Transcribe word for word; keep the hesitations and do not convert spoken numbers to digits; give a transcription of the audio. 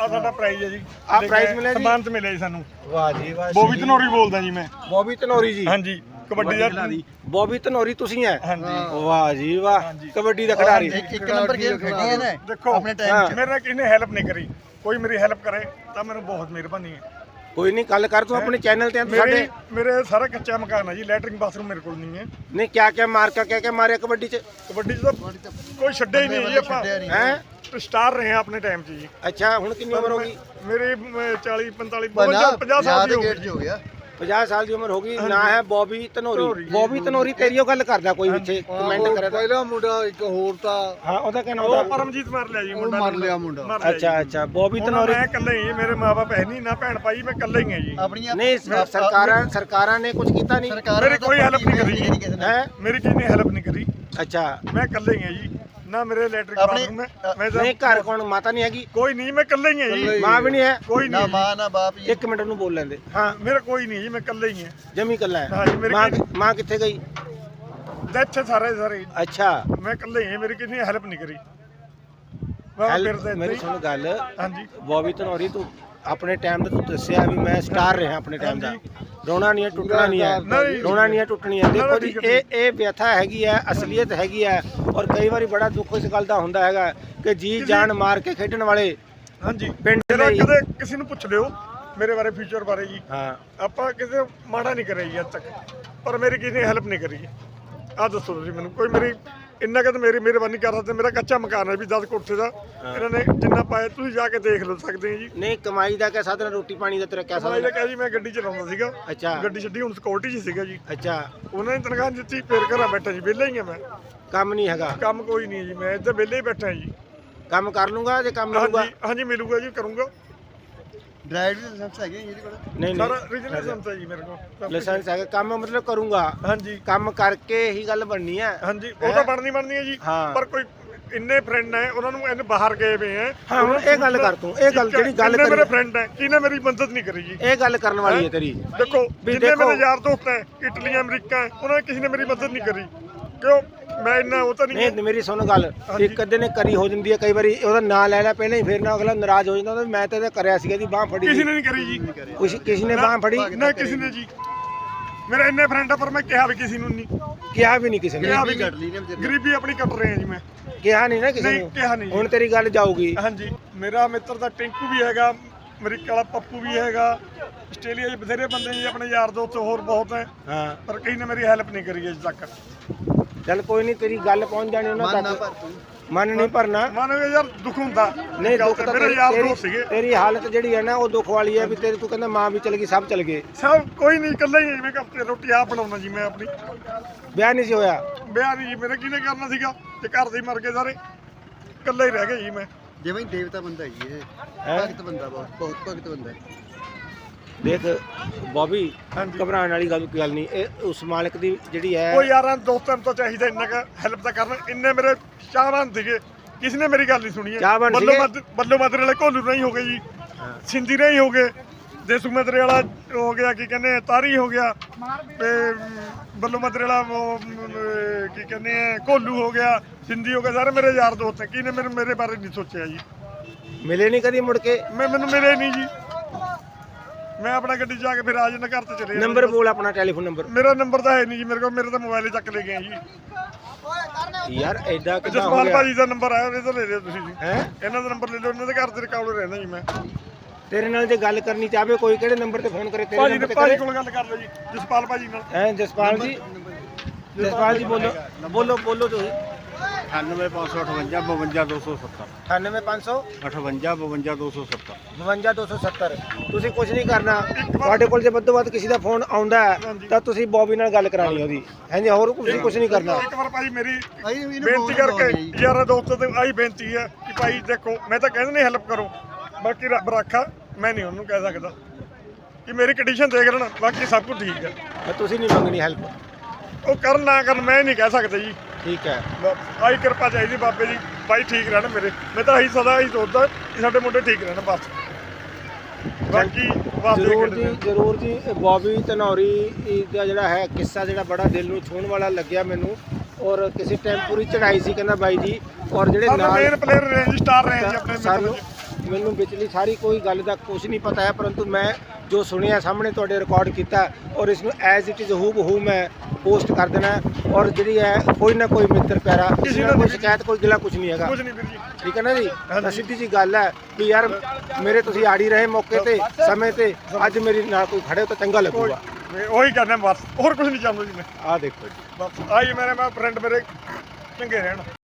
ਆ ਸਾਡਾ ਪ੍ਰਾਈਜ਼ ਹੈ ਜੀ। ਆ ਪ੍ਰਾਈਜ਼ ਮਿਲਿਆ ਜੀ, ਸਨਮਾਨ ਤੇ ਮਿਲਿਆ ਜੀ ਸਾਨੂੰ। ਵਾਹ ਜੀ ਵਾਹ। ਬੋਬੀ ਧਨੌਰੀ ਬੋਲਦਾ ਜੀ ਮੈਂ। ਬੋਬੀ ਧਨੌਰੀ ਜੀ? ਹਾਂਜੀ, ਕਬੱਡੀ ਦਾ। ਬੋਬੀ ਧਨੌਰੀ ਤੁਸੀਂ ਹੈ? ਹਾਂਜੀ। ਵਾਹ ਜੀ ਵਾਹ, ਕਬੱਡੀ ਦਾ ਖਿਡਾਰੀ। ਇੱਕ ਨੰਬਰ ਗੇਮ ਖੇਡੀ ਹੈ ਨਾ ਦੇਖੋ ਆਪਣੇ ਟਾਈਮ 'ਚ। ਮੇਰੇ ਨਾਲ ਕਿਸੇ ਨੇ ਹੈਲਪ ਨਹੀਂ ਕਰੀ, ਕੋਈ ਮੇਰੀ ਹੈਲਪ ਕਰੇ ਤਾਂ ਮੈਨੂੰ ਬਹੁਤ ਮਿਹਰਬਾਨੀ ਹੈ। ਕੋਈ ਨਹੀਂ, ਗੱਲ ਕਰ ਤੂੰ ਆਪਣੇ ਚੈਨਲ ਤੇ। ਮੇਰੇ ਮੇਰੇ ਸਾਰਾ ਕੱਚਾ ਮਕਾਨ ਹੈ ਜੀ, ਲੈਟਰਿੰਗ ਬਾਥਰੂਮ ਮੇਰੇ ਕੋਲ ਨਹੀਂ ਹੈ। ਨਹੀਂ, ਕਿਆ ਕਿਆ ਮਾਰਕਾ ਕਿਆ ਕਿਆ ਮਾਰਿਆ ਕਬੱਡੀ 'ਚ? ਕਬੱਡੀ 'ਚ ਤਾਂ ਕੋਈ ਛੱਡਿਆ ਹੀ ਨਹੀਂ ਜੀ ਆਪਾਂ। ਹੈ ਸਟਾਰ ਰਹੇ ਆ ਆਪਣੇ ਟਾਈਮ 'ਚ ਜੀ। ਅੱਛਾ, ਹੁਣ ਕਿੰਨੀ ਉਮਰ ਹੋ ਗਈ? ਮੇਰੇ ਚਾਲੀ ਪੰਤਾਲੀ ਪੰਜਾਹ ਸਾਲ ਦੀ ਹੋ ਗਿਆ। ਪੰਜਾਹ ਸਾਲ ਦੀ ਉਮਰ ਹੋ ਗਈ। ਨਾ ਹੈ ਬੋਬੀ ਧਨੌਰੀ। ਬੋਬੀ ਧਨੌਰੀ ਤੇਰੀ ਉਹ ਗੱਲ ਕਰਦਾ ਕੋਈ ਪਿੱਛੇ ਕਮੈਂਟ ਕਰਿਆ ਤਾਂ। ਪਹਿਲਾ ਮੁੰਡਾ ਇੱਕ ਹੋਰ ਤਾਂ ਹਾਂ, ਉਹਦਾ ਕਿਆ ਨਾਮ ਉਹ ਦਾ? ਪਰਮਜੀਤ ਮਾਰ ਲਿਆ ਜੀ ਮੁੰਡਾ। ਮਰ ਲਿਆ ਮੁੰਡਾ। ਮਰ ਲਿਆ ਜੀ। ਅੱਛਾ ਅੱਛਾ, ਬੋਬੀ ਧਨੌਰੀ। ਮੈਂ ਇਕੱਲਾ ਹੀ, ਮੇਰੇ ਮਾਪੇ ਹੈ ਨਹੀਂ, ਨਾ ਭੈਣ ਭਾਈ, ਮੈਂ ਇਕੱਲਾ ਹੀ ਹਾਂ ਜੀ। ਆਪਣੀਆਂ ਨਹੀਂ, ਸਰਕਾਰਾਂ ਸਰਕਾਰਾਂ ਨੇ ਕੁਝ ਕੀਤਾ ਨਹੀਂ? ਮੇਰੀ ਕੋਈ ਹੈਲਪ ਨਹੀਂ ਕਰੀ ਹੈ? ਮੇਰੀ ਕਿਸੇ ਨੇ ਹੈਲਪ ਨਹੀਂ ਕਰੀ। ਅੱਛਾ, ਮੈਂ ਇਕੱਲਾ ਹੀ ਹਾਂ ਜੀ, ਨਾ ਮੇਰੇ ਲੈਟਰਿਕ ਆਪਣੇ- ਬਾਥਰੂਮ ਹੈ। ਮੈਂ ਤਾਂ ਨਹੀਂ ਘਰ ਕੌਣ, ਮਾਤਾ ਨਹੀਂ ਹੈਗੀ? ਕੋਈ ਨਹੀਂ, ਮੈਂ ਇਕੱਲਾ ਹੀ ਹਾਂ ਜੀ। ਮਾਂ ਵੀ ਨਹੀਂ ਹੈ? ਕੋਈ ਨਾ ਨਹੀਂ, ਮਾਂ ਨਾ ਬਾਪ ਜੀ। ਇੱਕ ਮਿੰਟ ਨੂੰ ਬੋਲ ਲੈਂਦੇ। ਹਾਂ, ਮੇਰਾ ਕੋਈ ਨਹੀਂ ਜੀ, ਮੈਂ ਇਕੱਲਾ ਹੀ ਹਾਂ। ਜਮੀ ਕੱਲਾ ਹੈ? ਹਾਂਜੀ, ਮੇਰੀ ਮਾਂ ਕੋਈ- ਮਾਂ ਕਿੱਥੇ ਗਈ? ਇੱਥੇ ਸਾਰੇ ਸਾਰੇ ਅੱਛਾ, ਮੈਂ ਇਕੱਲਾ ਹੀ ਹਾਂ, ਮੇਰੀ ਕਿਸੇ ਨੇ ਹੈਲਪ ਨਹੀਂ ਕਰੀ। ਮੈਂ ਹੈਲਪ- ਫਿਰਦਾ ਇੱਦਾਂ ਮੇਰੀ ਹੀ। ਸੁਣ ਗੱਲ। ਹਾਂਜੀ। ਬੋਬੀ ਧਨੌਰੀ, ਤੂੰ ਆਪਣੇ ਟਾਈਮ ਦਾ ਤੂੰ ਦੱਸਿਆ ਵੀ ਮੈਂ ਸਟਾਰ ਰਿਹਾ ਆਪਣੇ ਟਾਈਮ ਦਾ। ਰੋਣਾ ਨਹੀਂ ਹੈ, ਟੁੱਟਣਾ ਨਹੀਂ ਹੈ। ਨਹੀਂ। ਰੋਣਾ ਨਹੀਂ ਹੈ, ਟੁੱਟਣੀ ਹੈ। ਦੇਖੋ ਜੀ, ਠੀਕ ਹੈ, ਇਹ ਇਹ ਵਿਅਥਾ ਹੈਗੀ ਹੈ, ਅਸਲੀਅਤ ਹੈਗੀ ਹੈ। ਔਰ ਕਈ ਵਾਰੀ ਬੜਾ ਦੁੱਖ ਇਸ ਗੱਲ ਦਾ ਹੁੰਦਾ ਹੈਗਾ ਕਿ ਜੀ ਜਾਨ ਮਾਰ ਕੇ ਖੇਡਣ ਵਾਲੇ ਹਾਂਜੀ, ਪਿੰਡ ਮੇਰਾ ਲਈ। ਕਦੇ ਕਿਸੇ ਨੂੰ ਪੁੱਛ ਲਿਓ ਮੇਰੇ ਬਾਰੇ, ਫਿਊਚਰ ਬਾਰੇ ਜੀ। ਹਾਂ, ਆਪਾਂ ਕਿਸੇ ਮਾੜਾ ਨਹੀਂ ਕਰਿਆ ਜੀ ਅੱਜ ਤੱਕ, ਪਰ ਮੇਰੀ ਕਿਸੇ ਨੇ ਹੈਲਪ ਨਹੀਂ ਕਰੀ। ਆਹ ਦੱਸੋ ਤੁਸੀਂ ਮੈਨੂੰ, ਕੋਈ ਮੇਰੀ ਇੰਨਾ ਕਿ ਮੇਰੀ ਮਿਹਰਬਾਨੀ ਕਰ ਸਕਦੇ। ਮੇਰਾ ਕੱਚਾ ਮਕਾਨ ਹੈ ਵੀ ਦਸ ਕੋਠੇ ਦਾ, ਇਹਨਾਂ ਨੇ ਜਿੰਨਾ ਪਾਇਆ ਤੁਸੀਂ ਜਾ ਕੇ ਦੇਖ ਲਓ ਸਕਦੇ ਜੀ। ਨਹੀਂ ਕਮਾਈ ਦਾ ਕਿਆ ਸਾਧਨ, ਰੋਟੀ ਪਾਣੀ ਦਾ ਤੇਰਾ ਕਿਆ ਮੈਂ ਸਾਧਨ? ਕਿਹਾ ਜੀ ਮੈਂ ਗੱਡੀ ਚਲਾਉਂਦਾ ਸੀਗਾ। ਅੱਛਾ ਗੱਡੀ ਛੱਡੀ, ਹੁਣ ਸਿਕਿਉਰਿਟੀ 'ਚ ਸੀਗਾ ਜੀ। ਅੱਛਾ, ਉਹਨਾਂ ਨੇ ਤਨਖਾਹ ਦਿੱਤੀ, ਫੇਰ ਘਰਾਂ ਬੈਠਾ ਜੀ, ਵਿਹਲਾ ਹੀ ਆ ਮੈਂ। ਕੰਮ ਨਹੀਂ ਹੈਗਾ? ਕੰਮ ਕੋਈ ਨਹੀਂ ਜੀ, ਮੈਂ ਇੱਥੇ ਵਿਹਲੇ ਹੀ ਬੈਠਾ ਜੀ। ਕੰਮ ਕਰ ਲੂੰਗਾ ਜੇ ਕੰਮ ਮਿਲੂਗਾ? ਹਾਂਜੀ ਹਾਂਜੀ, ਮਿਲੂਗਾ ਜੀ, ਕਰੂੰਗਾ। ਡਰਾਈਵਰ ਲਾਇਸੈਂਸ ਹੈਗੇ ਇਹਦੇ ਕੋਲ? ਨਹੀਂ ਸਾਰਾ ਨਹੀਂ, ਰੀਜਨਲ ਲਾਇਸੈਂਸ ਹੈ ਜੀ ਮੇਰੇ ਕੋਲ। ਲਾਇਸੈਂਸ ਹੈਗਾ, ਕੰਮ ਮਤਲਬ ਕਰੂੰਗਾ। ਹਾਂਜੀ ਕੰਮ ਕਰਕੇ ਹੀ ਗੱਲ ਬਣਨੀ ਹੈ। ਹਾਂਜੀ, ਉਹ ਤਾਂ ਬਣਨੀ ਬਣਨੀ ਹੈ ਜੀ। ਹਾਂ। ਪਰ ਕੋਈ ਇੰਨੇ ਫਰੈਂਡ ਹੈ, ਉਹਨਾਂ ਨੂੰ ਇਹਨੇ ਬਾਹਰ ਗਏ ਵੇ ਹੈ। ਹਾਂ, ਹੁਣ ਇਹ ਗੱਲ ਕਰ ਤੂੰ, ਇਹ ਗੱਲ ਜਿਹੜੀ ਗੱਲ ਇੰਨੇ ਮੇਰੇ ਕਰੀ, ਫਰੈਂਡ ਹੈ, ਕਿਹਨੇ ਮੇਰੀ ਮਦਦ ਨਹੀਂ ਕਰੀ ਜੀ। ਇਹ ਗੱਲ ਕਰਨ ਵਾਲੀ ਹੈ ਤੇਰੀ। ਦੇਖੋ ਵੀ ਜਿੰਨੇ ਦੇਖੋ- ਮੇਰੇ ਯਾਰ ਦੋਸਤ ਹੈ, ਇਟਲੀ ਅਮਰੀਕਾ ਹੈ, ਉਹਨਾਂ ਨੇ ਕਿਸੇ ਨੇ ਮੇਰੀ ਮਦਦ ਨਹੀਂ ਕਰੀ। ਕਿਉਂ? ਮੈਂ ਇੰਨਾ ਉਹ ਤਾਂ ਨਹੀਂ ਨਹੀਂ, ਮੇਰੀ ਸੁਣ ਗੱਲ, ਇੱਕ ਅੱਧੇ ਨੇ ਕਰੀ ਹੋ ਜਾਂਦੀ ਹੈ ਕਈ ਵਾਰੀ, ਉਹਦਾ ਨਾਂ ਲੈ ਲੈ ਪਹਿਲਾਂ ਹੀ, ਫਿਰ ਨਾ ਅਗਲਾ ਨਾਰਾਜ਼ ਹੋ ਜਾਂਦਾ ਮੈਂ ਤੇ ਕਰਿਆ ਸੀਗਾ ਦੀ ਬਾਹ ਫੜੀ। ਕਿਸੇ ਨੇ ਨਹੀਂ ਕਰੀ ਜੀ। ਕੁਛ ਕਿਸੇ ਨੇ ਬਾਹ ਫੜੀ? ਨਾ ਕਿਸੇ ਨੇ ਜੀ। ਮੇਰੇ ਇੰਨੇ ਫਰੈਂਡ ਆ, ਪਰ ਮੈਂ ਕਿਹਾ ਵੀ ਕਿਸੇ ਨੂੰ ਨਹੀਂ। ਕਿਹਾ ਵੀ ਨਹੀਂ ਕਿਸੇ ਨੇ? ਕਿਹਾ ਵੀ ਕੱਟ ਲਈ ਨੇ ਨਹੀਂ। ਗਰੀਬੀ ਆਪਣੀ ਕੱਟ ਰਹੇ ਆ ਜੀ ਮੈਂ। ਕਿਹਾ ਨਹੀਂ ਨਾ ਕਿਸੇ ਨਹੀਂ ਨੂੰ? ਕਿਹਾ ਨਹੀਂ ਜੀ। ਹੁਣ ਤੇਰੀ ਗੱਲ ਜਾਊਗੀ। ਹਾਂਜੀ, ਮੇਰਾ ਮਿੱਤਰ ਦਾ ਟਿੰਕੂ ਵੀ ਹੈਗਾ, ਅਮਰੀਕਾ ਵਾਲਾ ਪੱਪੂ ਵੀ ਹੈਗਾ, ਆਸਟ੍ਰੇਲੀਆ 'ਚ ਬਥੇਰੇ ਬੰਦੇ ਜੀ ਆਪਣੇ ਯਾਰ ਦੋਸਤ ਹੋਰ ਬਹੁਤ ਹੈ, ਹਾਂ, ਪਰ ਕਿਸੇ ਨੇ ਮੇਰੀ ਹੈਲਪ ਨਹੀਂ ਕਰੀ ਅਜੇ ਤੱਕ। ਚੱਲ ਕੋਈ ਨਹੀਂ, ਤੇਰੀ ਗੱਲ ਪਹੁੰਚ ਜਾਣੀ ਉਹਨਾਂ ਮਨ ਨਾ ਤੱਕ। ਭਰ ਤੂੰ। ਮਨ ਨਹੀਂ ਭਰਨਾ। ਮਨ ਯਾਰ ਦੁੱਖ ਹੁੰਦਾ। ਨਹੀਂ, ਦੁੱਖ ਤਾਂ ਮੇਰੇ ਯਾਰ ਤੇਰੀ ਦੋਸਤ ਸੀਗੇ। ਤੇਰੀ ਹਾਲਤ ਜਿਹੜੀ ਹੈ ਨਾ ਉਹ ਦੁੱਖ ਵਾਲੀ ਹੈ ਵੀ ਤੇਰੀ, ਤੂੰ ਕਹਿੰਦਾ ਮਾਂ ਵੀ ਚਲ ਗਈ, ਸਭ ਚਲ ਗਏ। ਸਭ ਕੋਈ ਨਹੀਂ, ਇਕੱਲਾ ਹੀ ਜਿਵੇਂ ਕਿ ਰੋਟੀ ਆਪ ਬਣਾਉਣਾ ਜੀ ਮੈਂ ਆਪਣੀ। ਵਿਆਹ ਨਹੀਂ ਸੀ ਹੋਇਆ? ਵਿਆਹ ਨਹੀਂ ਜੀ ਮੇਰੇ, ਕਿਹਨੇ ਕਰਨਾ ਸੀਗਾ ਤੇ ਘਰ ਦੇ ਹੀ ਮਰ ਗਏ ਸਾਰੇ, ਇਕੱਲਾ ਹੀ ਰਹਿ ਗਿਆ ਜੀ ਮੈਂ। ਜਿਵੇਂ ਦੇਵਤਾ ਬੰਦਾ ਜੀ ਇਹ, ਹੈਂ? ਭਗਤ ਬੰਦਾ, ਬਹੁਤ ਬਹੁਤ ਭਗਤ ਬੰਦਾ। ਦੇਖ ਬੋਬੀ, ਹਾਂਜੀ। ਘਬਰਾਉਣ ਵਾਲੀ ਗੱਲ ਕੋਈ ਗੱਲ ਨਹੀਂ। ਇਹ ਉਸ ਮਾਲਕ ਦੀ ਜਿਹੜੀ ਹੈ, ਉਹ ਯਾਰਾਂ ਦੋਸਤਾਂ ਨੂੰ ਤਾਂ ਚਾਹੀਦਾ ਇੰਨਾ ਕੁ ਹੈਲਪ ਤਾਂ ਕਰਨਾ। ਇੰਨੇ ਮੇਰੇ ਚਾਹਵਾਨ ਸੀਗੇ, ਕਿਸੇ ਨੇ ਮੇਰੀ ਗੱਲ ਨਹੀਂ ਸੁਣੀ ਹੈ। ਚਾਹਵਾਨ ਬੱਲੋ ਸੀਗੇ? ਮਦ ਬੱਲੋ ਮਦਰੇ ਵਾਲੇ ਘੋਲੂ ਨਹੀਂ ਹੋ ਗਏ ਜੀ, ਸਿੰਧੀ ਨਹੀਂ ਹੋ ਗਏ, ਦੇਸੂ ਮਦਰੇ ਵਾਲਾ ਹੋ ਗਿਆ, ਕੀ ਕਹਿੰਦੇ ਆ, ਤਾਰੀ ਹੋ ਗਿਆ, ਤੇ ਬੱਲੋ ਮਦਰੇ ਵਾਲਾ ਉਹ, ਅਮ, ਕੀ ਕਹਿੰਦੇ ਆ, ਘੋਲੂ ਹੋ ਗਿਆ, ਸਿੰਧੀ ਹੋ ਗਿਆ, ਸਾਰੇ ਮੇਰੇ ਯਾਰ ਦੋਸਤ ਹੈ। ਕਿਹਨੇ ਮੇਰੇ ਮੇਰੇ ਬਾਰੇ ਨਹੀਂ ਸੋਚਿਆ ਜੀ। ਮਿਲੇ ਨਹੀਂ ਕਦੀ ਮੁੜ ਕੇ? ਮੈਂ ਮੈਨੂੰ ਮਿਲੇ ਨਹੀਂ ਜੀ। ਮੈਂ ਆਪਣਾ ਗੱਡੀ 'ਚ ਜਾ ਕੇ ਫਿਰ ਆ ਜਾਂਦਾ, ਘਰ ਤੇ ਚਲੇ ਜਾਂਦਾ। ਨੰਬਰ ਬੋਲ ਆਪਣਾ, ਟੈਲੀਫੋਨ ਨੰਬਰ। ਮੇਰਾ ਨੰਬਰ ਤਾਂ ਹੈ ਨਹੀਂ ਜੀ ਮੇਰੇ ਕੋਲ, ਮੇਰੇ ਤਾਂ ਮੋਬਾਈਲ ਚੱਕ ਲੈ ਗਏ ਜੀ। ਯਾਰ ਐਡਾ ਕਿੱਦਾਂ ਹੋ ਜਸਪਾਲ ਗਿਆ? ਭਾਜੀ ਦਾ ਨੰਬਰ ਆਇਆ, ਇਹ ਤਾਂ ਲੈ ਲਿਓ ਤੁਸੀਂ ਜੀ। ਹੈ, ਇਹਨਾਂ ਦਾ ਨੰਬਰ ਲੈ ਲਓ, ਇਹਨਾਂ ਦੇ ਘਰ ਤੇ ਰਿਕਾਰਡ ਰਹਿੰਦਾ ਜੀ ਮੈਂ। ਤੇਰੇ ਨਾਲ ਜੇ ਗੱਲ ਕਰਨੀ ਚਾਹਵੇ ਕੋਈ, ਕਿਹੜੇ ਨੰਬਰ ਤੇ ਫੋਨ ਕਰੇ? ਤੇਰੇ ਭਾਜੀ ਨੰਬਰ ਨੇ ਤੇ ਭਾਜੀ ਕਰੇ? ਕੋਲ ਗੱਲ ਕਰ ਲਓ ਜੀ, ਜਸਪਾਲ ਭਾਜੀ ਨਾਲ। ਹੈ ਜਸਪਾਲ ਜੀ, ਜਸਪਾਲ ਜੀ ਬੋਲੋ ਬੋਲੋ ਬੋਲੋ ਤੁਸੀਂ। ਅਠਾਨਵੇਂ ਪੰਜ ਸੌ ਅਠਵੰਜਾ ਬਵੰਜਾ ਦੋ ਸੌ ਸੱਤਰ। ਅਠਾਨਵੇਂ ਪੰਜ ਸੌ ਅਠਵੰਜਾ ਬਵੰਜਾ ਦੋ ਸੌ ਸੱਤਰ। ਬਵੰਜਾ ਦੋ ਸੌ ਸੱਤਰ। ਤੁਸੀਂ ਕੁਝ ਨਹੀਂ ਕਰਨਾ, ਤੁਹਾਡੇ ਕੋਲ ਜੇ ਵੱਧੋ ਵੱਧ ਕਿਸੇ ਦਾ ਫੋਨ ਆਉਂਦਾ ਹੈ ਤਾਂ ਤੁਸੀਂ ਬੋਬੀ ਨਾਲ ਗੱਲ ਕਰਾਣੀ ਉਹਦੀ। ਹਾਂਜੀ, ਹੋਰ ਤੁਸੀਂ ਕੁਝ ਨਹੀਂ ਕਰਨਾ। ਇੱਕ ਵਾਰ ਭਾਜੀ ਮੇਰੀ ਅਸੀਂ ਵੀ ਇਹਨੂੰ ਬੇਨਤੀ ਬਹੁਤ ਕਰਕੇ ਲਾਉਂਦੇ ਜੀ। ਯਾਰਾਂ ਦੋਸਤਾਂ ਤੇ ਆਹੀ ਬੇਨਤੀ ਹੈ ਕਿ ਭਾਈ ਦੇਖੋ, ਮੈਂ ਤਾਂ ਕਹਿੰਦਾ ਨਹੀਂ ਹੈਲਪ ਕਰੋ, ਬਾਕੀ ਰੱਬ ਰਾਖਾ, ਮੈਂ ਨਹੀਂ ਉਹਨੂੰ ਕਹਿ ਸਕਦਾ ਕਿ ਮੇਰੀ ਕੰਡੀਸ਼ਨ ਦੇਖ ਲੈਣ, ਬਾਕੀ ਸਭ ਕੁਝ ਠੀਕ ਹੈ। ਤਾਂ ਤੁਸੀਂ ਨਹੀਂ ਮੰਗਣੀ ਹੈਲਪ? ਉਹ ਕਰਨ ਨਾ ਕਰਨ ਮੈਂ ਨਹੀਂ ਕਹਿ ਸਕਦਾ ਜੀ। ਠੀਕ ਹੈ, ਆਹੀ ਕਿਰਪਾ ਚਾਹੀਦੀ ਬਾਬੇ ਦੀ, ਭਾਈ ਠੀਕ ਰਹਿਣ ਮੇਰੇ। ਮੈਂ ਤਾਂ ਆਹੀ ਸਦਾ ਆਹੀ ਸੋਚਦਾ ਕਿ ਸਾਡੇ ਮੁੰਡੇ ਠੀਕ ਰਹਿਣ ਬਸ। ਬਾਕੀ ਵਾਸਤੇ ਜ਼ਰੂਰ ਜੀ, ਜ਼ਰੂਰ ਜੀ। ਬੋਬੀ ਧਨੌਰੀ ਦਾ ਜਿਹੜਾ ਹੈ ਕਿੱਸਾ, ਜਿਹੜਾ ਬੜਾ ਦਿਲ ਨੂੰ ਛੂਹਣ ਵਾਲਾ ਲੱਗਿਆ ਮੈਨੂੰ। ਔਰ ਕਿਸੇ ਟਾਈਮ ਪੂਰੀ ਚੜਾਈ ਸੀ ਕਹਿੰਦਾ ਬਾਈ ਜੀ। ਔਰ ਜਿਹੜੇ ਸਾਡੇ ਨਾਲ ਮੇਨ ਪਲੇਅਰ ਰੇਂਜ ਸਟਾਰ ਰਹੇ ਜੀ ਆਪਣੇ ਸਾਨੂੰ ਮੈਨੂੰ ਵਿਚਲੀ ਸਾਰੀ ਕੋਈ ਗੱਲ ਦਾ ਕੁਝ ਨਹੀਂ ਪਤਾ ਹੈ, ਪਰੰਤੂ ਮੈਂ ਜੋ ਸੁਣਿਆ ਸਾਹਮਣੇ ਤੁਹਾਡੇ ਰਿਕਾਰਡ ਕੀਤਾ ਔਰ ਇਸ ਨੂੰ ਐਜ਼ ਇਟ ਇਜ਼ ਹੂ ਬਹੂ ਮੈਂ ਪੋਸਟ ਕਰ ਦੇਣਾ ਹੈ। ਔਰ ਜਿਹੜੀ ਹੈ ਕੋਈ ਨਾ ਕੋਈ ਮਿੱਤਰ ਪਿਆਰਾ ਕਿਸੇ ਨਾਲ ਕੋਈ ਸ਼ਿਕਾਇਤ ਕੋਈ ਗਿਲਾ ਕੁਝ ਨਹੀਂ ਹੈਗਾ, ਕੁਝ ਨਹੀਂ ਵੀਰ ਜੀ। ਠੀਕ ਹੈ ਨਾ ਜੀ। ਤਾਂ ਸਿੱਧੀ ਜੀ ਗੱਲ ਹੈ ਕਿ ਯਾਰ ਮੇਰੇ ਤੁਸੀਂ ਆੜੀ ਰਹੇ ਮੌਕੇ ਤੇ ਸਮੇਂ ਤੇ, ਅੱਜ ਮੇਰੀ ਨਾਲ ਕੋਈ ਖੜੇ ਤਾਂ ਚੰਗਾ ਲੱਗੂਗਾ। ਮੈਂ ਉਹੀ ਕਰਨਾ ਬਸ, ਹੋਰ ਕੁਝ ਨਹੀਂ ਚਾਹੁੰਦਾ ਜੀ ਮੈਂ। ਆਹ ਦੇਖੋ ਜੀ, ਬਸ ਆਹੀ ਮੇਰੇ ਮੈਂ ਫਰੈਂਡ ਮੇਰੇ ਚੰਗੇ ਰਹਿਣ।